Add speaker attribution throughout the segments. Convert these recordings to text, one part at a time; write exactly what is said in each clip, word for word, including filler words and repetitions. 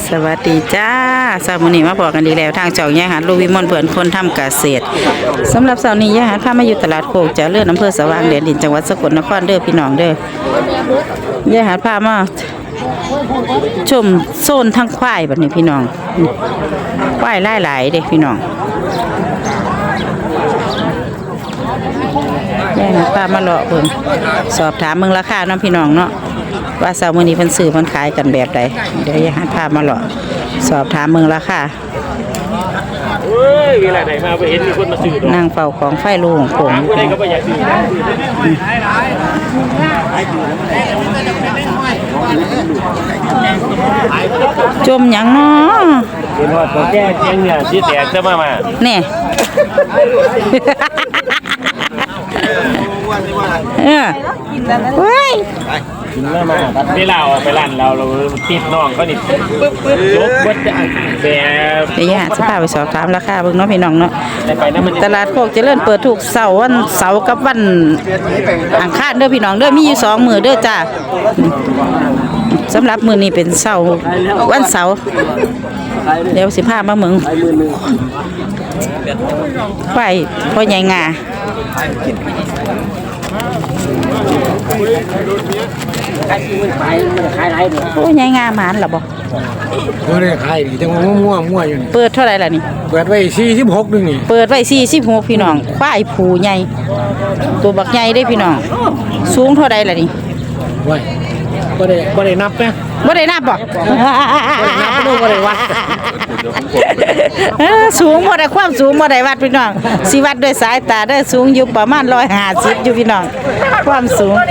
Speaker 1: สวัสดีจ้าสาวมื้อนี้มาบอกกันอีกแล้วทางเจ้าย่าหาดลูกวิมลเพื่อนคนทำเกษตรสำหรับเสาร์นี้ย่าหาดพามาอยู่ตลาดโคกเจ้าเลื่อนอำเภอสว่างแดนดินจังหวัดสกลนครเด้อพี่น้องเด้อย่าหาดพามาชมโซนทั้งควายแบบนี้พี่น้องควายหลายๆเด้พี่น้องย่าหาดพามาเลาะเบิ่งสอบถามเบิ่งราคาเนาะพี่น้องเนาะว่าเสาร์มื้อนี้เพิ่นซื้อเพิ่นขายกันแบบใดเดี๋ยวอย่าหาพามาหรอกสอบถามเมืองราคา
Speaker 2: เฮ้ยเวลาไหนมาไปเห็นมีคนมาซื้อดอก
Speaker 1: นางเฝ้าของไฟลูกของผม
Speaker 2: ผู้ใดก็บ่อยากซื้อ
Speaker 1: จมหยังเนาะ
Speaker 2: เห็นว่าตัวแก้เจียงเนี่ยสิแตกจะมามา
Speaker 1: แน่เออเฮ้ย
Speaker 2: กินมามาเวลาออกไปร้านเราเราติดน้องก็นี่ปึ๊บปึ๊บปึ๊บลบเบิดแบบ
Speaker 1: เดี๋ยวย่าจะพาไปสอบถามราคาเบิ่งเนาะพี่น้องเนาะ
Speaker 2: ไปนะมัน
Speaker 1: ตลาดโคกเจริญเปิดทุกเสาร์วันเสาร์กับวันอังคารเด้อพี่น้องเด้อมีอยู่สองมื้อเด้อจ้าสำหรับมื้อนี้เป็นเสาร์วันเสาร์เดี๋ยวสิพามาเมืองไปพ่อใหญ่งาโอ้ยายงาหมานหรอบ่
Speaker 3: บ่ได้ขายนี่จังว่ามั่วมั่วอยู่นี่
Speaker 1: เปิดเท่าไหร่ล่ะนี่
Speaker 3: เปิดไว้สี่สิบหกนึงนี่
Speaker 1: เปิดไว้สี่สิบหกพี่น้องควายผูใหญ่ตัวบักใหญ่ได้พี่น้องสูงเท่าใดล่ะนี่
Speaker 3: ไว้บ่ได้บ่ได้นับนะ
Speaker 1: บ่ได้นับบ่
Speaker 3: นับบ่ได้บ่ได้วัด
Speaker 1: สูงบ่ได้ความสูงบ่ได้วัดพี่น้องสิวัดด้วยสายตาได้สูงอยู่ประมาณหนึ่งร้อยห้าสิบอยู่พี่น้องความสูง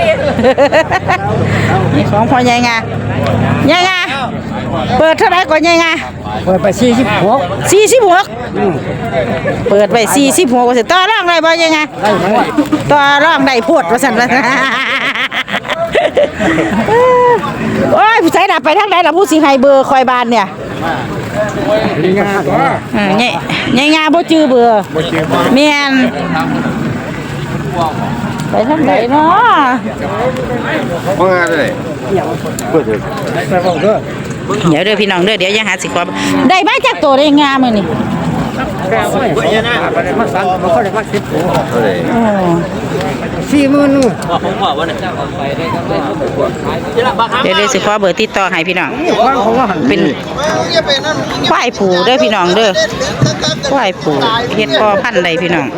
Speaker 1: นี่ของพ่อใหญ่งายายงาเปิดเท่าไหร่ก่อนยายงา
Speaker 3: เปิดไปสี่สิบหก
Speaker 1: สี่สิบหกเปิดไว้สี่สิบหกว่าสิต่อรองได้บ่ยายงาต่อรองได้โพดว่าซั่นว่าโอ้ยผู้ชายน่ะไปทางใดล่ะผู้สิให้เบอร์คอยบ้านเนี่ย
Speaker 3: นี่งาตัว
Speaker 1: อือเนี่ยยายงาบ่จื้อเบอร์
Speaker 3: บ่จื้อ
Speaker 1: แม่นไปทางไหนเนาะ
Speaker 3: บ่งาเลยเปิดเถอะไปบอกเด้อ
Speaker 1: เดี๋ยวเด้อพี่น้องเด้อเดี๋ยวยังหาสิขอได้มาจากตัวได้งามื้อนี่
Speaker 3: สี่หมื่นนู่น
Speaker 1: เดี๋ยวเดี๋ยวสิขอเบอร์ติดต่อให้พี่น้องเป็นควายผูเด้อพี่น้องเด้อควายผูเฮ็ดพ่อพันธุ์ใดพี่น้อง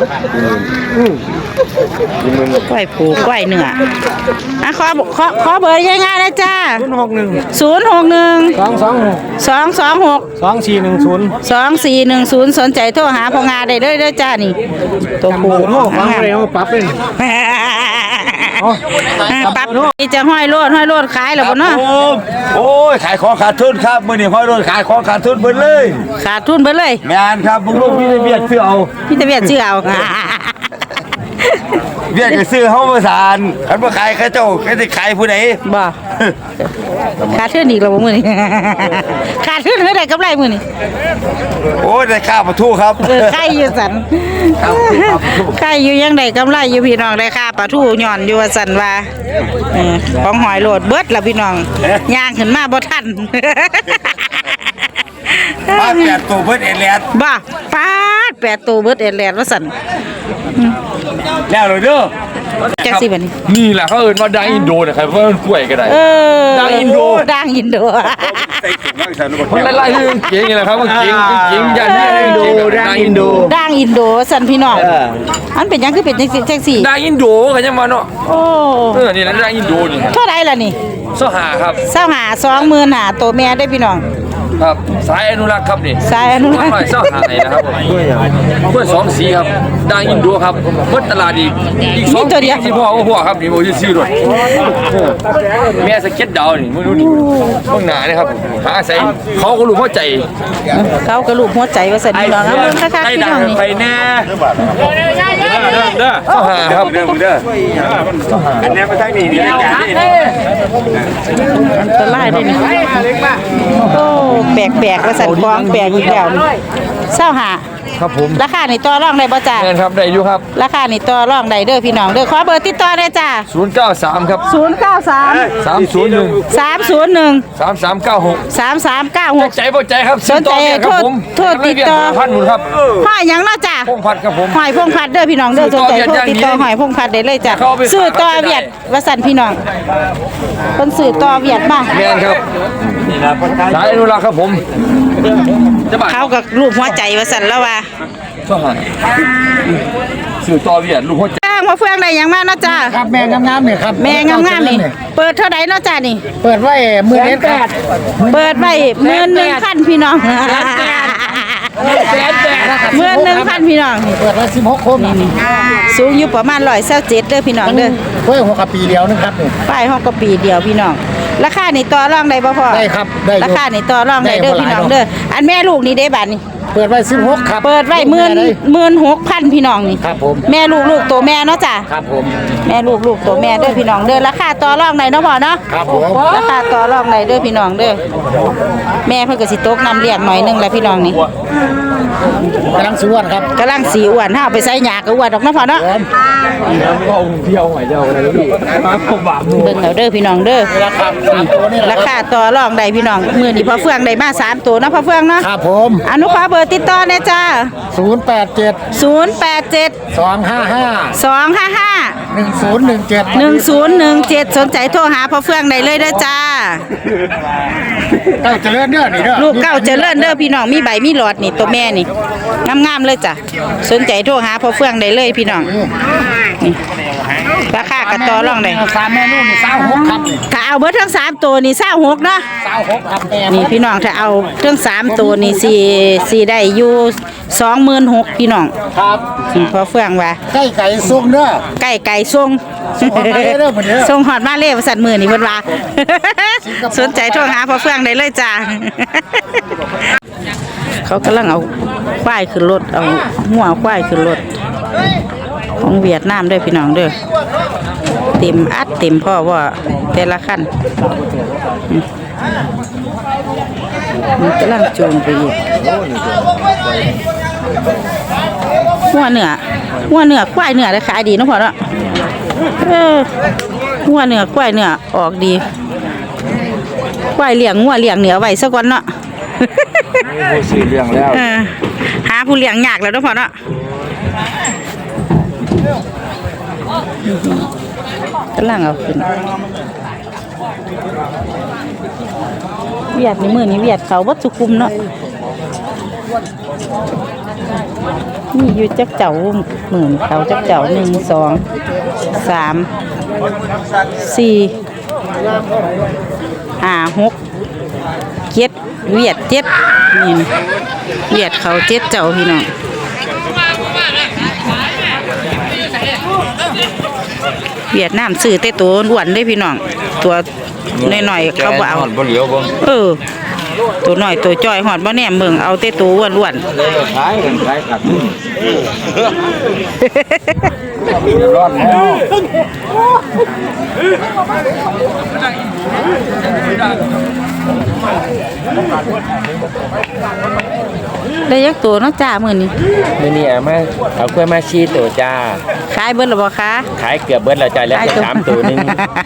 Speaker 1: ควายผูควายเนื้ออ่ะขอขอขอเบอร์ยังไงนะจ้า
Speaker 3: ศูนย์หกหนึ่ง
Speaker 1: ศูนย์หกหนึ่ง
Speaker 3: สองสองหก
Speaker 1: สองสองหก
Speaker 3: สองสี่หนึ่งศูนย์
Speaker 1: สองสี่หนึ่งศูนย์สนใจโทรหาพ่องาได้เด้อเด้อจ้านี่ตัวผู
Speaker 3: โอ้ฟังเลยเอาปรับเลย
Speaker 1: ปรับนี่จะห้อยโลดห้อยโลดขายแล้วบ่เนาะ
Speaker 4: โอ้ยขายของขาดทุนครับมื้อนี้ห้อยโลดขายของขาดทุนเบิดเลย
Speaker 1: ขาดทุนเบิดเลย
Speaker 4: แม่นครับมึงลูกพี่เวียดซื้อเอา
Speaker 1: พี่ตะเวียดซื้อเอา
Speaker 4: เวียดก็ซื้อเฮาบ่สานคันบ่ขายเขาเจ้าเขาสิขายผู้ใด
Speaker 1: บ่ขาดทุนอีกแล้วบ่มื้อนี้ขาดทุนเท่าใดกำไรมื้อนี้
Speaker 4: โอ้ยได้ค่าปลาทูครับ
Speaker 1: เออไข่อยู่สั่นไข่อยู่ยังได้กำไรอยู่พี่น้องได้ค่าปลาทูย้อนอยู่ว่าสั่นว่าเออของหอยโลดเบิดล่ะพี่น้องย่างขึ้นมาบ่ทัน
Speaker 4: มาแปดตัวเบิดเอแลด
Speaker 1: บ่ปาดแปดตัวเบิดเอแลดว่าสั่น
Speaker 4: แล้วเลยเด้อ
Speaker 1: จังสิบัดนี้
Speaker 2: นี่แหละเขาเอิ้นว่าดังอินโดน่ะครับว่ามันกล้วยก็ได้
Speaker 1: เออ
Speaker 2: ดังอินโด
Speaker 1: ดังอินโด
Speaker 2: มันไล่ๆคือเก่งนี่แหละครับมันเก่งเก่งยันอินโดดังอินโด
Speaker 1: ดังอินโดสั่นพี่น้องอันเป็นยังคือเป็นจังซี่จังซี่
Speaker 2: ดังอินโดก็ยังว่าเนาะ
Speaker 1: โอ้
Speaker 2: เออนี่แหละดังอินโดนี่
Speaker 1: เท่าไหร่ล่ะนี่
Speaker 2: สหาครับ
Speaker 1: สหา สองหมื่นห้าตัวแม่ได้พี่น้อง
Speaker 2: ครับสายอนุรักษ์ครับนี่
Speaker 1: สายอนุรักษ์
Speaker 2: สายหาไหนนะครับกล้วยสองสีครับดังอินโดครับหมดตลาดอีกอีกสองตัวเดียวสิพ่อพ่อครับนี่บ่ซื้อด้วยแม่สเก็ตดาวนี่มึงดูนี่เบิ่งหน้านี่ครับหาใส่เขาก็รู้หัวใจ
Speaker 1: เขาก็รู้หัวใจว่าซั่นพี่น้องเอาเบิ่งคักๆพี่น้องนี่
Speaker 4: ไปแน่
Speaker 2: เด้อเด้อสหาครับ
Speaker 4: เด้อเด้ออันนี้ไปทางนี้นี่
Speaker 1: อันตรายเด้นี่โอ้แปลกๆว่าสั่นกองแปลกอีกแล้วเศร้าหา
Speaker 2: ครับผม
Speaker 1: ราคานี่ต่อรองได้บ่จ้า
Speaker 2: แม่นครับได้อยู่ครับ
Speaker 1: ราคานี่ต่อรองได้เด้อพี่น้องเด้อขอเบอร์ติดต่อได้จ้า
Speaker 2: ศูนย์เก้าสามครับ
Speaker 1: ศูนย์เก้าสาม
Speaker 2: สามศูนย์หนึ่ง
Speaker 1: สามศูนย์หนึ่ง
Speaker 2: สามสามเก้าหก
Speaker 1: สามสามเก้าหก
Speaker 2: ใจบ่ใจครับ
Speaker 1: สนใจ
Speaker 2: ซื้อต่อเนี่ยครับผม
Speaker 1: โทษโทษติดต่อ
Speaker 2: พันหมุนครับ
Speaker 1: หอยหยังเนาะจ้า
Speaker 2: พงพัดครับผม
Speaker 1: หอยพงพัดเด้อพี่น้องเด้อสนใจโทรติดต่อหอยพงพัดได้เลยจ้ะ
Speaker 2: เข้าไป
Speaker 1: ซื้อต่อเวียดว่าสั่นพี่น้องเพิ่นซื้อต่อเวียดมา
Speaker 2: แม่นครับสายอนุรักษ์ครับผมจะบ้า
Speaker 1: เขากับรูปหัวใจว่าสั่นแล้วว่า
Speaker 2: ช่วงหันซื้อต่อเวียดลูกหัวใจ
Speaker 1: จ้างมาเฟืองได้หยังมาเนาะจ้า
Speaker 5: ครับแม่งามๆเนี่ยครับ
Speaker 1: แม่งามๆนี่เปิดเท่าใดเนาะจ้านี่
Speaker 5: เปิดไว้หมื่นเอ็ดครับ
Speaker 1: เปิดไว้หมื่นหนึ่งพันพี่น้องหมื่นหนึ่งพันพี่น้องนี่
Speaker 5: เปิดไว้สิบหกคมนี่
Speaker 1: สูงอยู่ประมาณร้อยเศร้าเจ็ดเด้อพี่น้องเด้อ
Speaker 5: เพิ่งหัวกับปีเดียวนึงครับนี่
Speaker 1: ป้ายห้องก็ปีเดียวพี่น้องราคานี่ต่อรองได้บ่พ่อ
Speaker 5: ได้ครับได้อยู่
Speaker 1: ราคานี่ต่อรองได้เด้อพี่น้องเด้ออันแม่ลูกนี่เด้บัดนี่
Speaker 5: เปิดไว้สิบหกครับ
Speaker 1: เปิดไว้หมื่นหมื่นหกพันพี่น้องนี่
Speaker 5: ครับผม
Speaker 1: แม่ลูกลูกตัวแม่เนาะจ้ะ
Speaker 5: ครับผม
Speaker 1: แม่ลูกลูกตัวแม่เด้อพี่น้องเด้อราคาต่อรองได้เนาะพ่อเนาะ
Speaker 5: ครับผม
Speaker 1: ราคาต่อรองได้เด้อพี่น้องเด้อแม่เพิ่นก็สิตกน้ำเลี้ยงหน่อยหนึงแหละพี่น้องนี่
Speaker 5: กำลังสวนครับ
Speaker 1: กำลังสีอ้วนถ้าเอาไปใส่หยาก็อ้วนดอกเนาะพ่อเนาะ
Speaker 2: เที่ยวหอยเจ้าอะไรนี่มาผมบาปมือ
Speaker 1: เบิ่งเอาเด้อพี่น้องเด้อ
Speaker 5: ราคาสามตัวนี่แหละ
Speaker 1: ราคาต่อรองได้พี่น้องมื้อนี้พ่อเฟืองได้มาสามตัวเนาะพ่อเฟืองเนาะ
Speaker 5: ครับผม
Speaker 1: อนุขอเบอร์ติดต่อแน่จ้า
Speaker 5: ศูนย์แปดเจ็ด
Speaker 1: ศูนย์แปดเจ็ด
Speaker 5: สองห้าห้า
Speaker 1: สองห้าห้า
Speaker 5: หนึ่งศูนย์หนึ่งเจ็ด
Speaker 1: หนึ่งศูนย์หนึ่งเจ็ดสนใจโทรหาพ่อเฟืองได้เลยเด้อจ้า
Speaker 5: เก้าเจริญเด้อนี่เด้อ
Speaker 1: ลูกเก้าเจริญเด้อพี่น้องมีใบมีหลอดนี่ตัวแม่นี่งามๆเลยจ้ะสนใจโทรหาพ่อเฟืองได้เลยพี่น้องนี่ราคากระต่อรองได้
Speaker 5: สามแม่ลูกนี่สาวหกครับนี่
Speaker 1: ถ้าเอาเบิดทั้งสามตัวนี่เศร้าหกเนาะ
Speaker 5: สาวหกครับแม่
Speaker 1: นี่พี่น้องถ้าเอาทั้งสามตัวนี่สี่สี่ได้อยู่สองหมื่นหกพี่น้อง
Speaker 5: ครับ
Speaker 1: พ่อเฟืองว่า
Speaker 5: ไก่ไก่ซุกเด้อ
Speaker 1: ไก่ไก่ทรง
Speaker 5: ส่งฮอดมาเลยเด้อมื้อนี้
Speaker 1: ส่งฮอดมาเลยว่าสั่นมือนี่เพิ่นว่า สนใจโทรหาพ่อเฟืองได้เลยจ้า เขากำลังเอาควายขึ้นรถเอาหัวควายขึ้นรถของเวียดนามเด้อพี่น้องเด้อเต็มอัดเต็มพ่อว่าแต่ละคันอืมมันกำลังจูงไปอีกหัวเนื้อหัวเนื้อควายเนื้อได้ขายดีเนาะพ่อเนาะเออหัวเนื้อควายเนื้อออกดีควายเลี้ยงหัวเลี้ยงเหนือไว้สักวันเนาะ
Speaker 2: ซื้อเรื่องแล้ว
Speaker 1: เออหาผู้เลี้ยงยากแล้วเนาะพ่อเนาะกำลังเอาขึ้นเวียดนี่มือนี่เวียดเขาวัดสุคุมเนาะนี่อยู่จักเจ้าหมื่นเขาจักเจ้าหนึ่งสองสามสี่ห้าหกเจ็ดเวียดเจ็ดนี่นะเวียดเขาเจ็ดเจ้าพี่น้องเวียดนามซื้อแต่ตัวอ้วนได้พี่น้องตัวน้อยๆเขาบ่เอา
Speaker 2: บ่เหลียวบ่
Speaker 1: เออตัวน้อยตัวจ้อยหอดบ่แหนมเบิ่งเอาแต่ตัวอ้วน
Speaker 2: ขายกันขายกันรอดแล้ว
Speaker 1: ๆได้ยักตัวเนาะจ้ามื้อนี้
Speaker 6: มื่อนี้เอามาเอากล้วยมาชีตัวจ้า
Speaker 1: ขายเบิดแล้วบ่คะ
Speaker 6: ขายเกือบเบิดแล้วจ้าแล้วก็สามตัวหนึง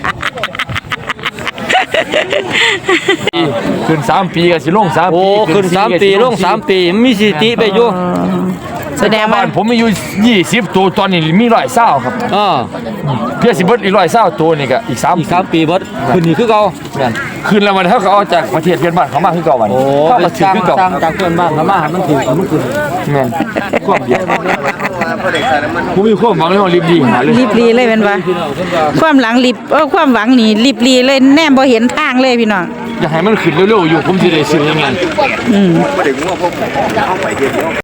Speaker 2: ขึ้นสามปีก็สิลงสามปี
Speaker 6: โอ้ขึ้นสามปีลงสามปีมีสิติไปอยู่
Speaker 1: แสดงว่า
Speaker 2: บ้านผมมีอยู่ยี่สิบตัวตอนนี้มีร้อยเศร้าครับ
Speaker 6: อ่า
Speaker 2: เพื่อสิเบิดอีกร้อยเศร้าตัวนี่ก็อีกสาม
Speaker 6: อีกสามปีเบิดขึ้นนี่คือเก่านั่น
Speaker 2: คืนละวันเท่ากับเอาจากประเทศเพื่อนบ้านเขามาคือเก่าวัน
Speaker 6: โอ้
Speaker 2: เข้า
Speaker 6: ไป
Speaker 2: มาถือ
Speaker 6: สร้าง
Speaker 2: คือเก่า
Speaker 6: สร้างจากเพื่อนบ้านเขามาให้มันถือเอามันขึ้น
Speaker 2: แม่นความเดียวผมมีความหวังเลยว่ารีบดีหาเลย
Speaker 1: รีบรีเลยเป็นว่าความหลังรีบเออความหวังนี่รีบรีเลยแนมบ่เห็นทางเลยพี่น้อง
Speaker 2: อยากให้มันขึ้นเร็วๆอยู่ผมสิได้ซื้อยังไง
Speaker 1: อืม